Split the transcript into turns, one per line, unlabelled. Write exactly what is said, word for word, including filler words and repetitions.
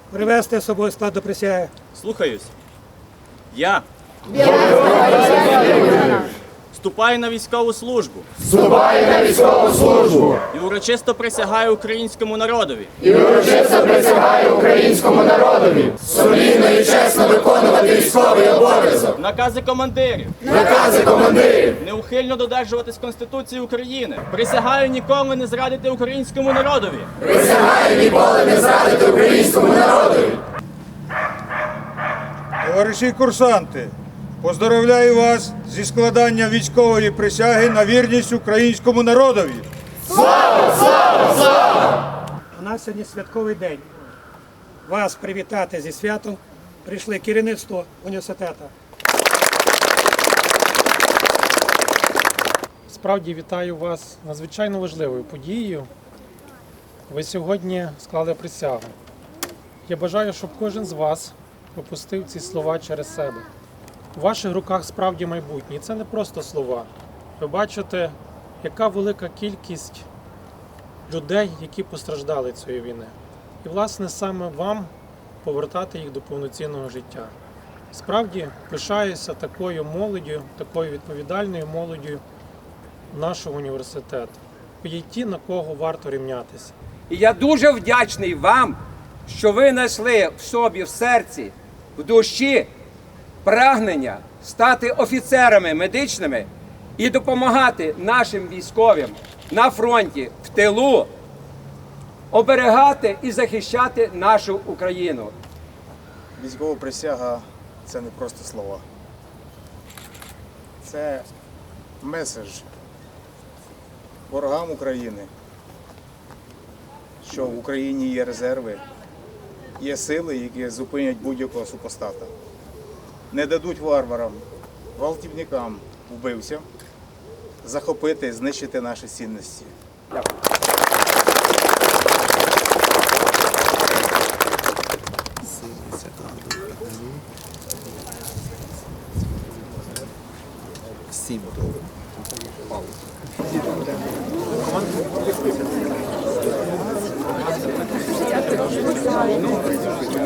Привести з собою склад до присяги.
Слухаюсь. Я вступаю на військову службу
Вступаю на військову службу
і урочисто присягаю українському народові
і урочисто присягаю українському народові сумлінно і чесно виконувати військовий обов'язок,
накази командирів,
накази командирів,
неухильно додержуватись Конституції України. Присягаю ніколи не зрадити українському народові.
присягаю ніколи не зрадити українському народові.
Товариші курсанти, поздоровляю вас зі складання військової присяги на вірність українському народові.
Слава, слава, слава!
У нас сьогодні святковий день. Вас привітати зі святом прийшли керівництво університету.
Справді вітаю вас з надзвичайно важливою подією. Ви сьогодні склали присягу. Я бажаю, щоб кожен з вас пропустив ці слова через себе. У ваших руках справді майбутнє. І це не просто слова. Ви бачите, яка велика кількість людей, які постраждали цієї війни. І, власне, саме вам повертати їх до повноцінного життя. Справді, пишаюся такою молоддю, такою відповідальною молоддю нашого університету. Ви є ті, на кого варто рівнятися.
І я дуже вдячний вам, що ви знайшли в собі, в серці, в душі прагнення стати офіцерами медичними і допомагати нашим військовим на фронті, в тилу, оберігати і захищати нашу Україну.
Військова присяга – це не просто слова. Це меседж ворогам України, що в Україні є резерви, є сили, які зупинять будь-якого супостата. Не дадуть варварам, гвалтівникам, вбивцям захопити, знищити наші цінності.
Дякую.
Всім добре.